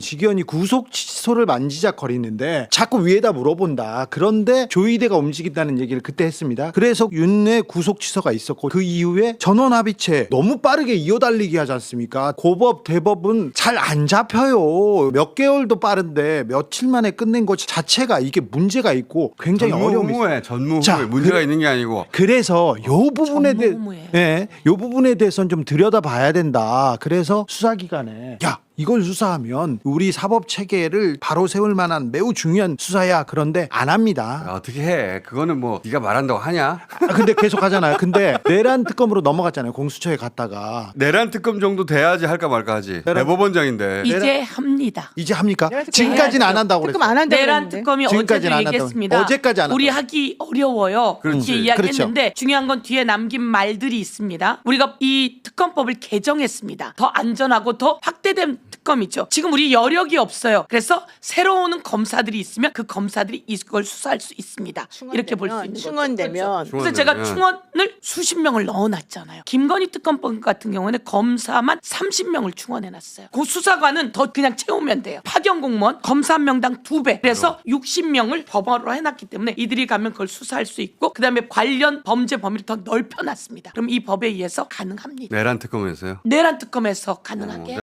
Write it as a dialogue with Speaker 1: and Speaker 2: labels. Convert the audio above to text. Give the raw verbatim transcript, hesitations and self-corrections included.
Speaker 1: 직원이 구속 취소를 만지작거리는데 자꾸 위에다 물어본다. 그런데 조이대가 움직인다는 얘기를 그때 했습니다. 그래서 윤의 구속 취소가 있었고 그 이후에 전원 합의체 너무 빠르게 이어달리기 하지 않습니까? 고법 대법은 잘 안 잡혀요. 몇 개월도 빠른데 며칠 만에 끝낸 것 자체가 이게 문제가 있고 굉장히 어려움이 있어요.
Speaker 2: 전무후무에
Speaker 1: 자,
Speaker 2: 문제가
Speaker 1: 그래-
Speaker 2: 있는 게 아니고
Speaker 1: 그래서 요 부분에 대해
Speaker 3: 전무후무예요.
Speaker 1: 예, 요 부분에 대해서는 좀 들여다봐야 된다. 그래서 수사기관에 야 이걸 수사하면 우리 사법 체계를 바로 세울 만한 매우 중요한 수사야. 그런데 안 합니다.
Speaker 2: 아, 어떻게 해? 그거는 뭐 네가 말한다고 하냐?
Speaker 1: 아, 근데 계속 하잖아요. 근데 내란 특검으로 넘어갔잖아요. 공수처에 갔다가
Speaker 2: 내란 특검 정도 돼야지 할까 말까 하지.
Speaker 1: 내란-
Speaker 2: 대법원장인데.
Speaker 3: 이제 합니다.
Speaker 1: 이제 합니까?
Speaker 4: 내란 특검
Speaker 1: 지금까지는 안 한다고
Speaker 4: 특검
Speaker 1: 그랬어요.
Speaker 4: 안 한다고
Speaker 3: 내란
Speaker 4: 그랬는데.
Speaker 3: 특검이
Speaker 1: 지금까지는
Speaker 3: 어제도
Speaker 1: 안 한다고.
Speaker 3: 얘기했습니다.
Speaker 1: 어제까지 안 한다고.
Speaker 3: 우리 하기 어려워요.
Speaker 2: 그렇지.
Speaker 3: 이렇게 이야기했는데
Speaker 1: 그렇죠.
Speaker 3: 중요한 건 뒤에 남긴 말들이 있습니다. 우리가 이 특검법을 개정했습니다. 더 안전하고 더 확대된 특검이죠. 지금 우리 여력이 없어요. 그래서 새로 오는 검사들이 있으면 그 검사들이 이걸 수사할 수 있습니다. 이렇게 볼 수 있는 거죠.
Speaker 4: 충원되면
Speaker 3: 그래서 제가
Speaker 2: 충원되면.
Speaker 3: 충원을 수십 명을 넣어놨잖아요. 김건희 특검법 같은 경우는 검사만 삼십 명을 충원해놨어요. 그 수사관은 더 그냥 채우면 돼요. 파견 공무원 검사 한 명당 두 배. 그래서 육십 명을 법원으로 해놨기 때문에 이들이 가면 그걸 수사할 수 있고 그다음에 관련 범죄 범위를 더 넓혀놨습니다. 그럼 이 법에 의해서 가능합니다.
Speaker 2: 내란 특검에서요.
Speaker 3: 내란 특검에서 가능하게.